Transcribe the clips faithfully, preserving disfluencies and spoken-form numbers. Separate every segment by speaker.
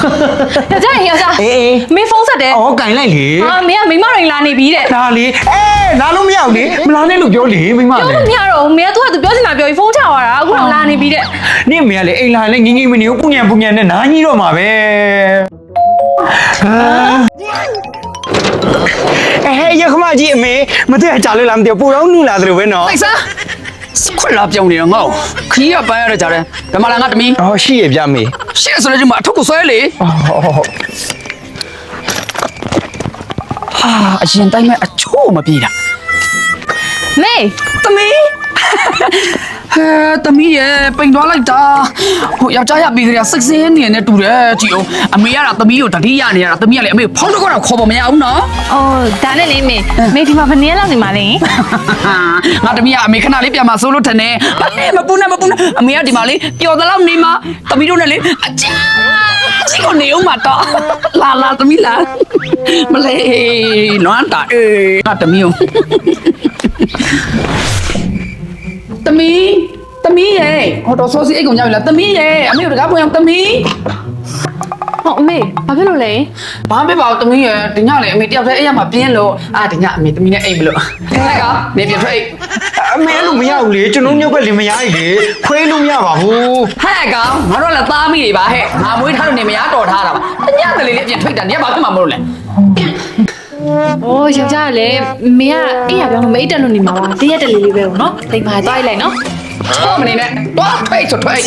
Speaker 1: ယောက်ျားယောက်ျားအေးမင်းဖုန်းဆက်တယ်
Speaker 2: ဩကင်လိုက်လေ
Speaker 1: ဟာမင်းကမိမရိန်လာနေပြီတဲ့
Speaker 2: ဒါလေအေးလာလို့မရဘူးလေမလာနဲ့လို့ပြောလေမိမလေ
Speaker 1: ပြောလို့မရတော့ဘူးမင်းကသူကသူပြောချင်တာပြောပြီးဖုန်းချသွားတာအခုတော့လာနေပြီတဲ့
Speaker 2: နင့်မေကလေအိမ်လာလေငင်းငင်းမနေဘူးပူညံပူညံနဲ့နားကြီးတော့မှာပဲအဲရခမကြီးအမေမသိကြလို့လားမသိဘူးပူတော့နူလာသလိုပဲနော်
Speaker 3: လိုက်စမ်းခွက်လာပြောင်းနေတော့ငေါ့ခီးကပန်းရတဲ့ကြတယ်ဓမ္မလာငါတမီ
Speaker 2: ဟောရှိရပြမေ
Speaker 3: ရှေ့ဆိုလည်းဒီမှာအထုပ်ကိုဆွဲလေဟာအရင်တိုင်းမဲ့အချို့မပြေတာ
Speaker 1: မေ
Speaker 3: တမီဟဲတမီရဲ့ပိန်သွားလိုက်တာဟိုယောက်ျားရပြီးကြရစိတ်ဆင်းနေနေတူတယ်ကြည့်အောင်အမေရတာတမီကိုတတိယနေရတာတမီကလည်းအမေဖောင်းတော့တော့ခေါ်ပေါ်မရဘူးနော်
Speaker 1: အော်ဒါနဲ့လေမေမေဒီမှာဘယ်နည်းလောက်နေမှာလဲ
Speaker 3: ငါတမီကအမေခဏလေးပြန်มาဆိုးလို့ထင်တယ်ဘာနဲ့မပူနဲ့မပူနဲ့အမေကဒီမှာလေးပျော်သလောက်နေမှာတမီတို့နဲ့လေအချာစီကိုနေအောင်မတော့လာလာတမီလာမလေးလွမ်းတာအေးငါတမီကိုတမီတမီရဲ့ဟောတော့ဆိုစီအိတ်ကုန်ကြပြီလားတမီရဲ့အမေတို့တကားပွင့်အောင်တမီ
Speaker 1: ဟုတ်အမေဘာဖြစ်လို့လဲ
Speaker 3: ဘာဖြစ်ပါဘူးတမီရဲ့ဒီညလေအမေတယောက်တည်းအိတ်ရမှာပြင်းလို့အာဒီညအမေတမီနဲ့အိတ်မလို့ဟဲ့ကောင်နေပြထွက်အိတ်
Speaker 2: အမေလို့မရဘူးလေကျွန်တော်ညုတ်ကလည်းမရဘူးလေခွေးလို့မရပါဘူး
Speaker 3: ဟဲ့ကောင်ငါတို့လည်းသားမိတွေပါဟဲ့ငါမွေးထားလို့နေမရတော်ထားတာပါတညကလေးလေးအပြင်ထွက်တာညဘာဖြစ်မှာမလို့လဲ
Speaker 1: โอ้ယောက်ျားလည်းမင်းကအိမ်ရပြောင်းလို့မအိတ်တက်လို့နေမှာပါတရက်တလေးလေးပဲပေါ့နော်တိမ်ပါသွားလိုက်နော်
Speaker 3: ချောမနေနဲ့သွားထွက်ဆိုထွက်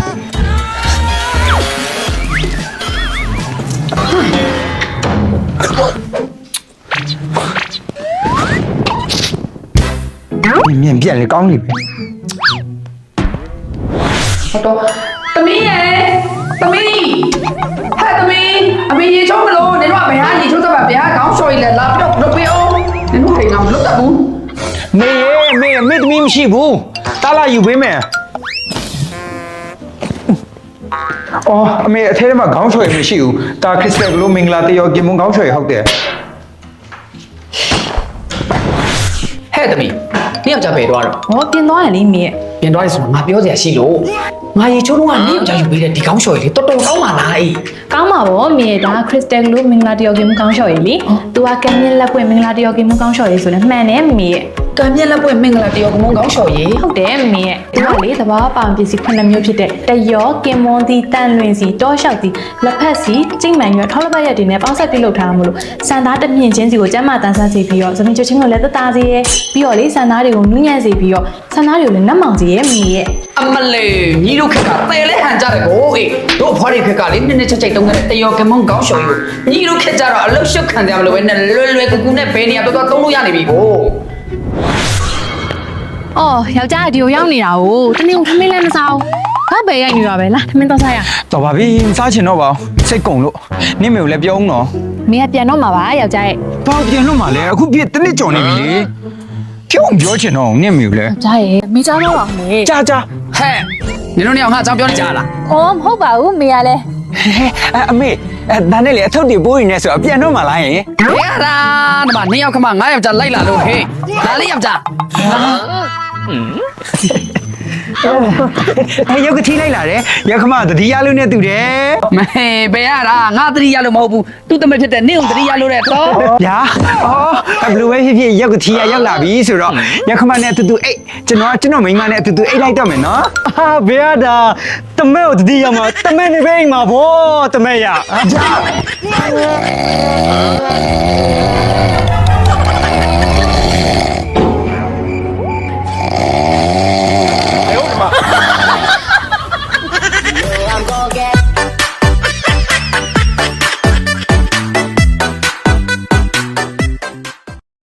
Speaker 2: မြင်ပြန်လေကောင်းနေပြီ
Speaker 3: ဟုတ်တော့တမီးရဲ့တမီးဟဲ့တမီးအမေရေချုံးမလို့နေတော့ဘယ်ဟာရေချုံးသဘာဗျာခေါင်းလျှော်ရည်လဲလာပြီးတော့လုပ်ပေးအောင်နေတော့ဟိန်အောင်မလုပ်တတ်ဘူး
Speaker 2: မေရေမေမေသမီးမရှိဘူးတားလာယူပေးမယ်အော်အမေအထဲထဲမှာခေါင်းလျှော်ရည်မရှိဘူးတာခရစ်စတယ်ကလို့မင်္ဂလာတရောကင်မွန်ခေါင်းလျှော်ရည်ဟုတ်တယ်
Speaker 3: ဟဲ့တမီးနေ့ယောက်ျားပဲသွားတော့
Speaker 1: ဟောပြင်သွားတယ်လေမေ
Speaker 3: ပြင်သွားတယ်ဆိုတော့ငါပြောစရာရှိလို့ငါရေချိုးတော့ကနေ့ယောက်ျားယူပေးတဲ့ဒီခေါင်းလျှော်ရည်လေတော်တော်ကောင်းပါလားအေး
Speaker 1: ကောင်းပါဗောမေဒါခရစ်စတယ်လို့မင်္ဂလာတယောက်ကင်မကောင်းလျှော်ရည်လေသူကကံမြင့်လက်ပွင့်မင်္ဂလာတယောက်ကင်မကောင်းလျှော်ရည်ဆိုလည်းမှန်တယ်မေရဲ့
Speaker 3: ကံမြင့်လက်ပွင့်မင်္ဂလာတယောက်ကင်မကောင်းလျှော်ရည်
Speaker 1: ဟုတ်တယ်မေရဲ့ဒီကလေသဘာဝပအောင်ပစ္စည်းခုနှစ်မျိုးဖြစ်တဲ့တယောကင်မွန်သည်တန်လွင်စီတောလျှောက်သည်လက်ဖက်စီကျိတ်မှန်ရွက်ထောက်လက်ပတ်ရက်တွေနဲ့ပေါင်းဆက်ပြုလုပ်ထားမှာလို့စံသားတမြင့်ချင်းစီကိုကျန်းမာတန်ဆန်းစေပြီးတော့သမီးချိုချင်းကိုလည်းတသားစေရဲပြီးတော့လေစံသားတွေကိုနူးညံ့စေပြီးတော့စံသားတွေကိုလည်းနတ်မောင်စေရဲမေရဲ့
Speaker 3: အမလေးညီတို့ခက်ကတဲလဲဟန်ကြတယ်ကိုအေးတို့အဖွားတွေခက်ကလေနည်းနည်းချက်ချက်တုံးတဲ့တယောကင်မွန်ကောင်းလျှော်ရည်ညီတို့ခက်ကြတော့အလုတ်ရှုပ်ခံတယ်မလို့ပဲနဲ့လွယ်လွယ်ကူကူနဲ့ဘယ်နေရာတော့တော့သုံးလို့ရနေပြီကို
Speaker 1: အော်ယောက်ျားဒီကိုရောက်နေတာ哦တနေ့ကထမင်းလည်းမစားဘူးဘာပဲရိုက်နေတာပဲလားထမင်းတော့စားရ
Speaker 2: တော်ပါပြီမစားချင်တော့ပါဘူးစိတ်ကုန်လို့နင့်မေကိုလည်းပြောအောင်နော်
Speaker 1: မင်းကပြန်တော့မှာပါယောက်ျားရဲ့
Speaker 2: ဘာပြန်လို့မှာလဲအခုပြည့်တနစ်ကြော်နေပြီလေပြောအောင်ပြောချင်တော့နင့်မေကိုလည်း
Speaker 1: ယောက်ျားရဲ့မိသားတော့ပါမယ်
Speaker 2: ကြာကြာ
Speaker 3: ဟဲ့နင်တို့နေအောင်ငါအကြောင်းပြောနေကြလား
Speaker 1: အော်မဟုတ်ပါဘူးမေကလည်း
Speaker 2: အဲအမေအဲဒါနဲ့လေအထုပ်တွေပိုးနေနေဆိုတော့ပြန်တော့မှာလားယင်
Speaker 3: ရတာဒီမှာနှစ်ယောက်ခမငါးယောက်ကြာလိုက်လာလို့ဟေးလာလေးယောက်ကြာ
Speaker 2: အဲရုပ်ကတိလိုက်လာတယ်ရောက်ခမသတိရလို့နဲ့တူတယ်
Speaker 3: မဟေးဘယ်ရတာငါသတိရလို့မဟုတ်ဘူးသူ့တမဖြစ်တဲ့နင့်ကိုသတိရလို့တဲ့တော့
Speaker 2: ဗျာအော်ဘယ်လိုပဲဖြစ်ဖြစ်ရုပ်ကတိရရောက်လာပြီဆိုတော့ရောက်ခမနဲ့အတူတူအိတ်ကျွန်တော်ကျွန်တော်မိန်းမနဲ့အတူတူအိတ်လိုက်တော့မယ်နော်ဟာဘယ်ရတာတမဲကိုသတိရမှာတမဲနေပဲအိမ်မှာဗောတမဲရဗျာ